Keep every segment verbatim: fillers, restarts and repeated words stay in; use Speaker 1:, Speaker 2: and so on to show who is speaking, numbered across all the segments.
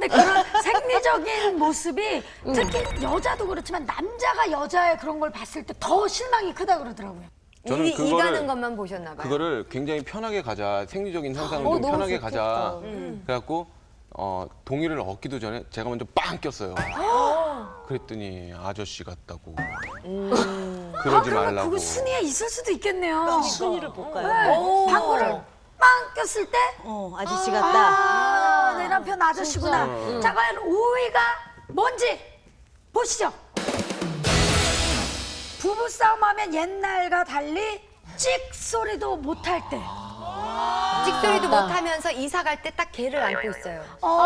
Speaker 1: 그런 생리적인 모습이 특히 여자도 그렇지만 남자가 여자의 그런 걸 봤을 때 더 실망이 크다 그러더라고요.
Speaker 2: 저는
Speaker 3: 이,
Speaker 2: 그거를-
Speaker 3: 이가는 것만 보셨나 봐요.
Speaker 2: 그거를 굉장히 편하게 가자, 생리적인 현상을
Speaker 3: 어,
Speaker 2: 좀
Speaker 3: 너무
Speaker 2: 편하게
Speaker 3: 좋겠다.
Speaker 2: 가자.
Speaker 3: 음.
Speaker 2: 그래갖고 어, 동의를 얻기도 전에 제가 먼저 빵 꼈어요. 그랬더니 아저씨 같다고.
Speaker 3: 음.
Speaker 1: 아,
Speaker 2: 그러지
Speaker 1: 그러면
Speaker 2: 말라고.
Speaker 1: 그거 순위에 있을 수도 있겠네요.
Speaker 4: 순위를 볼까요?
Speaker 1: 네. 방구를 빵 꼈을 때
Speaker 4: 어, 아저씨 같다.
Speaker 1: 아, 내 남편 아저씨구나. 자, 과연 오 위가 뭔지 보시죠. 부부싸움 하면 옛날과 달리 찍 소리도 못할 때.
Speaker 3: 찍소리도 못하면서 이사 갈 때 딱 걔를 안고 있어요.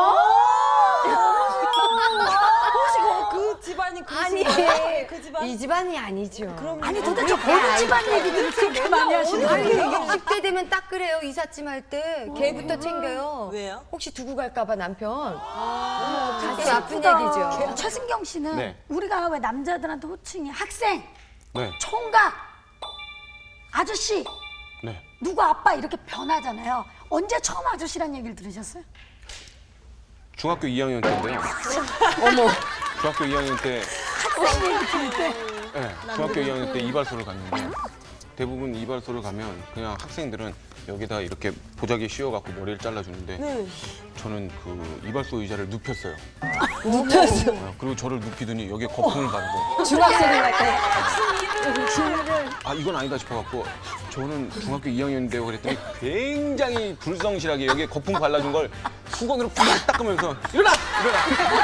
Speaker 5: 혹시 그 집안이 그
Speaker 3: 아니,
Speaker 5: 집안? 그 집안?
Speaker 3: 이 집안이 아니죠.
Speaker 1: 아니 도대체 어느 집안 얘기들을 그렇게 많이 하시는
Speaker 3: 아니,
Speaker 1: 거예요?
Speaker 3: 육십 대 되면 딱 그래요. 이삿짐 할 때 걔부터 챙겨요.
Speaker 4: 왜요?
Speaker 3: 혹시 두고 갈까 봐 남편. 가슴 아픈
Speaker 1: 예쁘다.
Speaker 3: 얘기죠.
Speaker 1: 최승경 씨는
Speaker 2: 네.
Speaker 1: 우리가 왜 남자들한테 호칭이 학생,
Speaker 2: 네,
Speaker 1: 총각, 아저씨,
Speaker 2: 네.
Speaker 1: 누구 아빠 이렇게 변하잖아요. 언제 처음 아저씨란 얘기를 들으셨어요?
Speaker 2: 중학교 이 학년 때인데요. 어머. 중학교 이 학년 때,
Speaker 1: 학생 얘기 들을 때.
Speaker 2: 네, 중학교 이 학년 때 이발소를 갔는데 대부분 이발소를 가면 그냥 학생들은 여기다 이렇게 보자기에 씌워갖고 머리를 잘라주는데
Speaker 5: 네.
Speaker 2: 저는 그 이발소 의자를 눕혔어요. 눕혔어? 그리고 저를 눕히더니 여기에 거품을 바르고
Speaker 3: 중학생인 것 같아.
Speaker 2: 아 이건 아니다 싶어갖고 저는 중학교 이 학년인데요 그랬더니 굉장히 불성실하게 여기에 거품 발라준 걸 수건으로 팍 닦으면서 일어나! 일어나!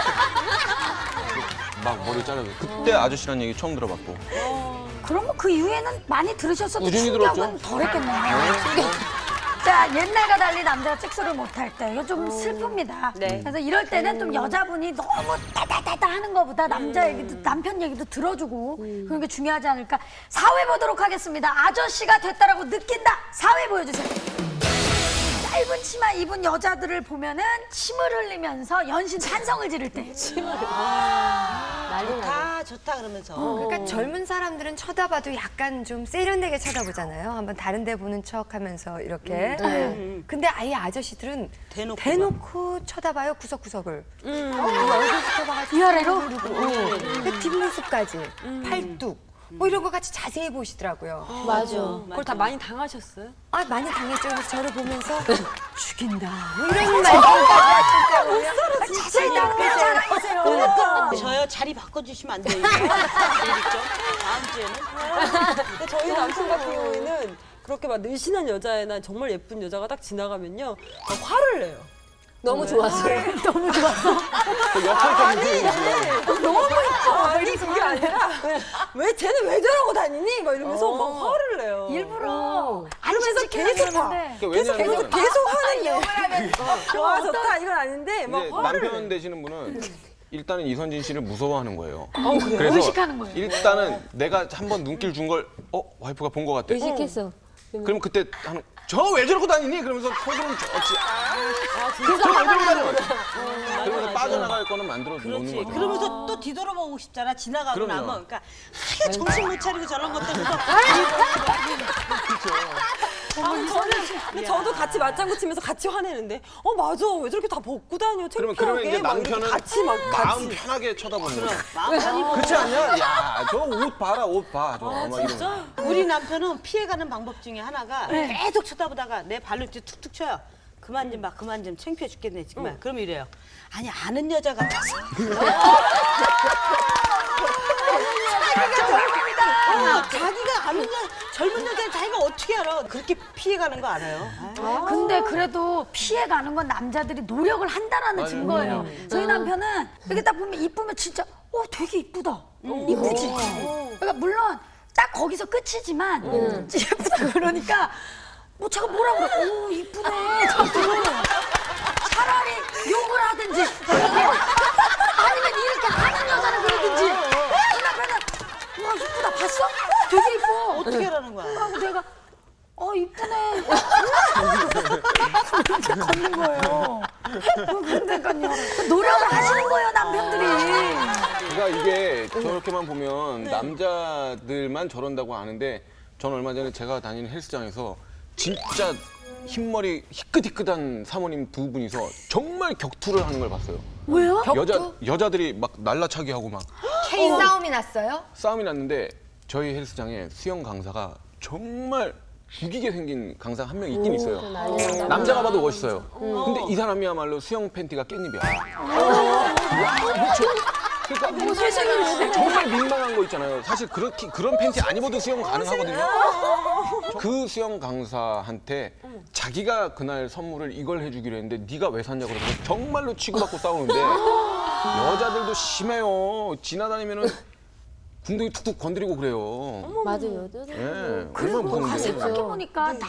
Speaker 2: 막 머리 잘라줘. 그때 아저씨란 얘기 처음 들어봤고.
Speaker 1: 그러면 그 이후에는 많이 들으셨어도
Speaker 2: 꾸준히
Speaker 1: 충격은
Speaker 2: 들었죠.
Speaker 1: 덜했겠네요.
Speaker 2: 네.
Speaker 1: 자, 옛날과 달리 남자가 찍소리를 못할 때 이거 좀 슬픕니다.
Speaker 5: 네.
Speaker 1: 그래서 이럴 때는 좀 여자분이 너무 따다다다 하는 것보다 남자 얘기도 남편 얘기도 들어주고 그런 게 중요하지 않을까. 사 회 보도록 하겠습니다. 아저씨가 됐다라고 느낀다. 사 회 보여주세요. 짧은 치마 입은 여자들을 보면은 침을 흘리면서 연신 찬성을 지를 때.
Speaker 4: 좋다, 좋다 그러면서.
Speaker 3: 그러니까 젊은 사람들은 쳐다봐도 약간 좀 세련되게 쳐다보잖아요. 한번 다른 데 보는 척 하면서 이렇게. 근데 아예 아저씨들은
Speaker 4: 대놓고
Speaker 3: 대놓고 쳐다봐요, 구석구석을. 어, 얼굴부터 봐가지고.
Speaker 1: 위아래로?
Speaker 3: 그 뒷모습까지. 팔뚝. 뭐 이런 거 같이 자세히 보시더라고요.
Speaker 5: 맞아. 그걸 다 많이 당하셨어요?
Speaker 3: 아, 많이 당했죠. 그래서 저를 보면서 죽인다. 뭐 이런 말씀.
Speaker 1: 자세히 당겨 자랑하세요.
Speaker 4: 그러니까 저요 자리 바꿔주시면 안 돼요? 알겠죠? 다음 주에는.
Speaker 5: 근데 저희 남편 같은 경우에는 그렇게 막 늘씬한 여자애나 정말 예쁜 여자가 딱 지나가면요 막 화를 내요.
Speaker 3: 너무 좋았어.
Speaker 1: 너무 좋았어.
Speaker 2: 그 역할까지
Speaker 5: 너무 이뻐. 아니 그게 아니라 왜 쟤는 왜 저러고 다니니? 막 이러면서 막 화를 내요.
Speaker 1: 일부러 안
Speaker 5: 그러면서
Speaker 1: 칭찬하려고
Speaker 5: 계속 봐.
Speaker 1: 하는데.
Speaker 5: 계속 계속
Speaker 2: 왜냐면
Speaker 5: 계속 화를 내. 좋아 좋다 이건 아닌데 막
Speaker 2: 이제
Speaker 5: 화를
Speaker 2: 남편
Speaker 5: 내.
Speaker 2: 되시는 분은 일단은 이선진 씨를 무서워하는 거예요.
Speaker 5: 그래요?
Speaker 2: 그래서
Speaker 1: 의식하는 거예요.
Speaker 2: 일단은 내가 한번 눈길 준 걸 어? 와이프가 본 것 같아.
Speaker 3: 의식했어.
Speaker 2: 그럼 그때 하는 저 왜 저러고 다니니? 그러면서 속으로는 좋지. 아, 저왜 저러고 다녀? 그러면서 빠져나갈 거는 만들어 놓는
Speaker 4: 그렇지.
Speaker 2: 거죠.
Speaker 4: 그러면서 또 뒤돌아보고 싶잖아. 지나가고
Speaker 2: 그럼요.
Speaker 4: 나면. 그러니까 하여 정신 못 차리고 저런 것들 또
Speaker 5: 아니, 저는 근데 저도 같이 맞장구 치면서 같이 화내는데 어 맞아 왜 저렇게 다 벗고 다녀
Speaker 2: 그러면
Speaker 5: 창피하게
Speaker 2: 그러면 이제
Speaker 5: 막 이렇게
Speaker 2: 남편은
Speaker 5: 같이 막
Speaker 2: 마음
Speaker 5: 같이
Speaker 2: 편하게 쳐다보는 거죠.
Speaker 4: 마음 편히
Speaker 2: 그렇지 않냐? 야, 저 옷 봐라, 옷 봐. 저 막 이런 거.
Speaker 4: 우리 남편은 피해가는 방법 중에 하나가
Speaker 1: 네.
Speaker 4: 계속 쳐다보다가 내 발로 이렇게 툭툭 쳐요. 그만 좀 봐, 그만 좀 창피해 죽겠네 정말. 그럼 이래요. 아니 아는 여자 같아서. 어, 자기가 아는 여 젊은 여자를 자기가 어떻게 알아? 그렇게 피해가는 거 알아요? 아유.
Speaker 1: 근데 그래도 피해가는 건 남자들이 노력을 한다라는 증거예요. 저희 남편은 이렇게 딱 보면 이쁘면 진짜 어 되게 이쁘다. 이쁘지. 그러니까 물론 딱 거기서 끝이지만 예쁘다 그러니까 뭐 제가 뭐라 그래? 오 이쁘네. 저도 차라리 욕을 하든지 아니면 이렇게 하는 여자는 그러든지. 저희 남편은 와 이쁘다 봤어? 되게 이뻐.
Speaker 4: 어떻게 하라는 거야?
Speaker 1: 하고 내가 어 이쁘네. 이렇게 걷는 거예요. 그러니까요. 노력을 하시는 거예요 남편들이.
Speaker 2: 그러니까 이게 저렇게만 보면 남자들만 저런다고 아는데 전 얼마 전에 제가 다니는 헬스장에서 진짜 흰머리 희끗희끗한 사모님 두 분이서 정말 격투를 하는 걸 봤어요.
Speaker 1: 왜요?
Speaker 2: 여자 여자들이 막 날라차기 하고 막
Speaker 3: K 싸움이 났어요?
Speaker 2: 싸움이 났는데 저희 헬스장에 수영 강사가 정말 죽이게 생긴 강사 한 명 있긴 있어요. 남자가 봐도 멋있어요. 근데 이 사람이야말로 수영 팬티가 깻잎이야. 그렇죠. 그러니까 정말 민망한 거 있잖아요. 사실 그렇게 그런 팬티 안 입어도 수영 가능하거든요. 그 수영 강사한테 자기가 그날 선물을 이걸 해주기로 했는데 네가 왜 샀냐 그러면 정말로 치고받고 싸우는데 여자들도 심해요. 지나다니면은 궁둥이 툭툭 건드리고 그래요.
Speaker 6: 맞아요. 여자들.
Speaker 2: 예.
Speaker 1: 그리고
Speaker 2: 얼마나 무서운데.
Speaker 1: 생각해보니까